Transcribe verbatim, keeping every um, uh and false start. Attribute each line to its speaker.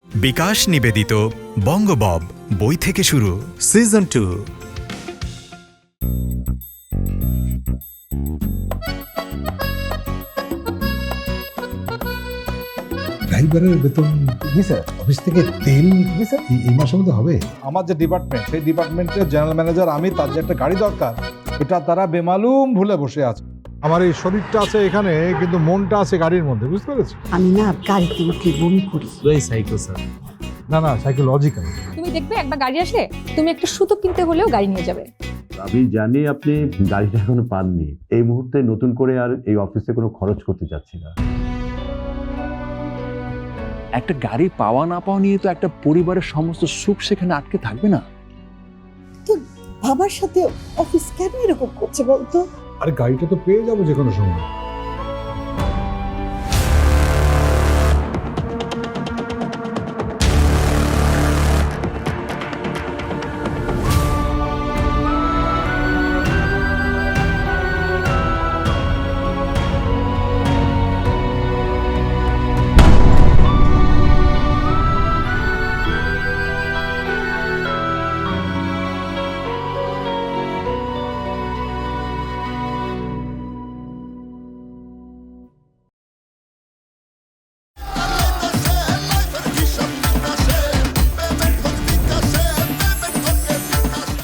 Speaker 1: বিকাশ নিবেদিত বঙ্গবব বই থেকে শুরু সিজন টু।
Speaker 2: ড্রাইভারের বেতন জি স্যার, অফিস থেকে তেল জি স্যার, এই- এই মাসের মধ্যে হবে।
Speaker 3: আমার যে ডিপার্টমেন্ট সেই ডিপার্টমেন্টের জেনারেল ম্যানেজার আমি, তার যে একটা গাড়ি দরকার এটা তারা বেমালুম ভুলে বসে আছে। আমার এই শরীরটা আছে এখানে, কিন্তু মনটা আছে গাড়ির মধ্যে, বুঝতে পেরেছি?
Speaker 4: আমি না গাড়িতে উঠলে বমি করি।
Speaker 3: না না, সাইকোলজিক্যাল।
Speaker 5: তুমি দেখবে একবার গাড়ি আসলে তুমি একটা সুতো কিনতে হলেও গাড়ি নিয়ে যাবে।
Speaker 6: আমি জানি আপনি গাড়িটা এখনো পাননি। এই মুহূর্তে নতুন করে আর এই অফিসে কোনো খরচ করতে চাচ্ছি না।
Speaker 7: একটা গাড়ি পাওয়া না পাওয়া নিয়ে তো একটা পরিবারের সমস্ত সুখ সেখানে আটকে থাকবে না।
Speaker 4: তো বাবার সাথে অফিস কেন এরকম করছে বলতো?
Speaker 3: আর গাড়িটা তো পেয়ে যাবো যে কোনো সময়।